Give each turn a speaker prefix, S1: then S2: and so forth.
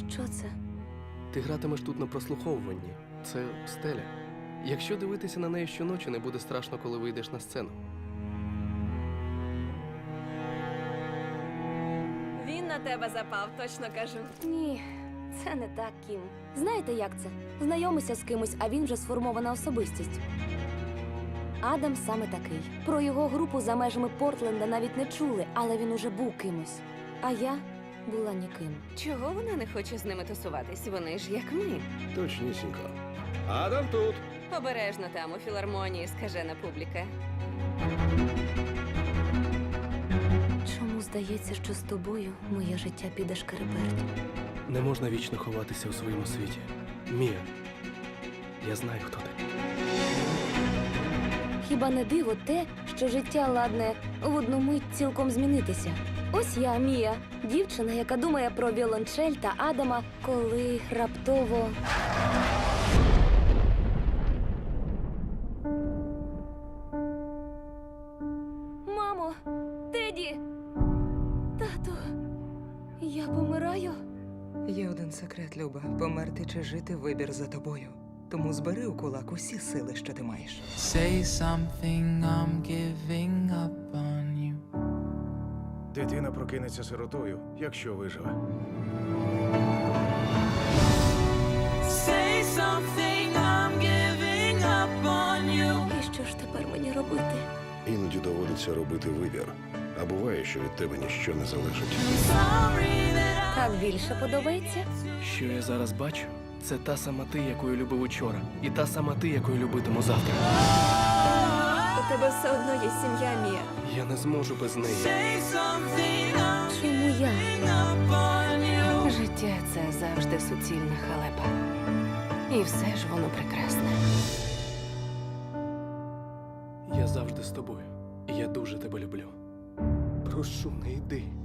S1: Що це?
S2: Ти гратимеш тут на прослуховуванні. Це стеля. Якщо дивитися на неї щоночі, не буде страшно, коли вийдеш на сцену.
S3: Він на тебе запав, точно кажу.
S1: Ні, це не так, Кім. Знаєте, як це? Знайомися з кимось, а він вже сформована особистість. Адам саме такий. Про його групу за межами Портленда навіть не чули, але він уже був кимось. А я була ніким.
S3: Чого вона не хоче з ними тусуватись? Вони ж як ми.
S4: Точнісінько. Адам тут.
S3: Обережно там, у філармонії, скажена публіка.
S1: Чому здається, що з тобою моє життя піде шкереберть?
S2: Не можна вічно ховатися у своєму світі. Мія, я знаю, хто ти.
S1: Хіба не диво те, що життя ладне в одну мить цілком змінитися? Ось я, Мія, дівчина, яка думає про віолончель та Адама, коли раптово... Мамо! Теді! Тату! Я помираю?
S5: Є один секрет, Люба. Померти чи жити – вибір за тобою. Тому збери у кулак усі сили, що ти маєш.
S6: Say something, I'm giving up on you.
S4: Дитина прокинеться сиротою, якщо виживе.
S6: Say something, I'm giving up on you.
S1: І що ж тепер мені робити?
S4: Іноді доводиться робити вибір. А буває, що від тебе ніщо не залежить.
S6: Sorry that
S1: Так більше подобається?
S2: Що я зараз бачу, це та сама ти, якою любив учора. І та сама ти, якою любитиму завтра.
S3: У тебе все одно є сім'я, Мія.
S2: Я не зможу без неї.
S6: say something, I'm
S1: Чому я?
S6: giving up on you.
S3: Життя – це завжди суцільна халепа. І все ж воно прекрасне.
S2: Я завжди з тобою. І я дуже тебе люблю. Прошу, не йди.